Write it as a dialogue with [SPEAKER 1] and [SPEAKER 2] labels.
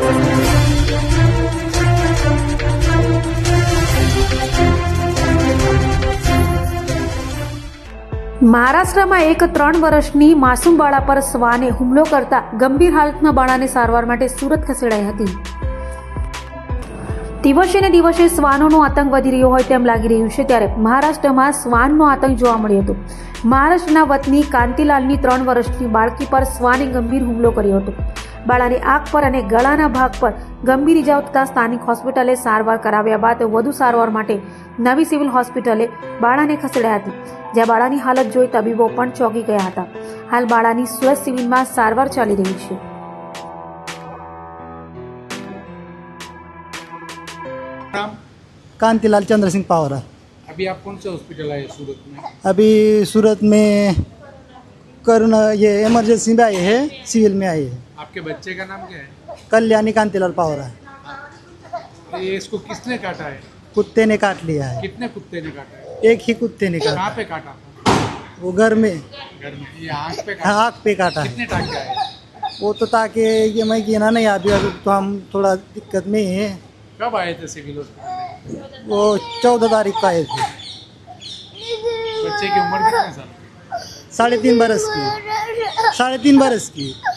[SPEAKER 1] મહારાષ્ટ્રમાં એક 3 વર્ષની માસૂમ બાળા પર શ્વાને હુમલો કરતા ગંભીર હાલતમાં બાળાને સારવાર માટે સુરત ખસેડાઈ હતી. દિવસે ને દિવસે શ્વાનોનો આતંક વધી રહ્યો હોય તેમ લાગી રહ્યું છે, ત્યારે મહારાષ્ટ્રમાં શ્વાનનો આતંક જોવા મળ્યો હતો. મહારાષ્ટ્રના વતની કાંતિલાલની 3 વર્ષની બાળકી પર શ્વાને ગંભીર હુમલો કર્યો હતો. બાળાની આંખ પર અને ગળાના ભાગ પર ગંભીર ઇજાઓ થતા સ્થાનિક હોસ્પિટલે સારવાર કરાવ્યા બાદ વધુ સારવાર માટે નવી સિવિલ હોસ્પિટલે બાળાને ખસેડાયા હતી, જ્યાં બાળાની હાલત જોઈ તબીબો પણ ચોંકી ગયા હતા. હાલ બાળાની સુરત સિવિલમાં સારવાર ચાલી રહી છે.
[SPEAKER 2] कांतिलाल चंद्र सिंह पावरा।
[SPEAKER 3] अभी आप कौन से हॉस्पिटल आए सूरत में?
[SPEAKER 2] अभी सूरत में करुणा ये इमरजेंसी में आए हैं, सिविल में आए हैं।
[SPEAKER 3] आपके बच्चे का नाम क्या है?
[SPEAKER 2] कल्याणी कांतिलाल पावरा।
[SPEAKER 3] ये इसको किसने काटा है?
[SPEAKER 2] कुत्ते ने काट लिया है।
[SPEAKER 3] कितने कुत्ते ने काटा है?
[SPEAKER 2] एक ही कुत्ते ने काटा।
[SPEAKER 3] कहाँ पे काटा?
[SPEAKER 2] वो घर में
[SPEAKER 3] घर में। ये आँख पे काटा?
[SPEAKER 2] आँख पे काटा है।
[SPEAKER 3] कितने टाँके आए?
[SPEAKER 2] वो तो ताकि ये मैं गिना नहीं, अभी अभी तो हम थोड़ा दिक्कत में ही हैं।
[SPEAKER 3] कब आए थे सिविल हॉस्पिटल?
[SPEAKER 2] वो 14 तारीख को आए थे।
[SPEAKER 3] बच्चे की उम्र कितने साल?
[SPEAKER 2] 3.5 बरस की। 3.5 बरस की।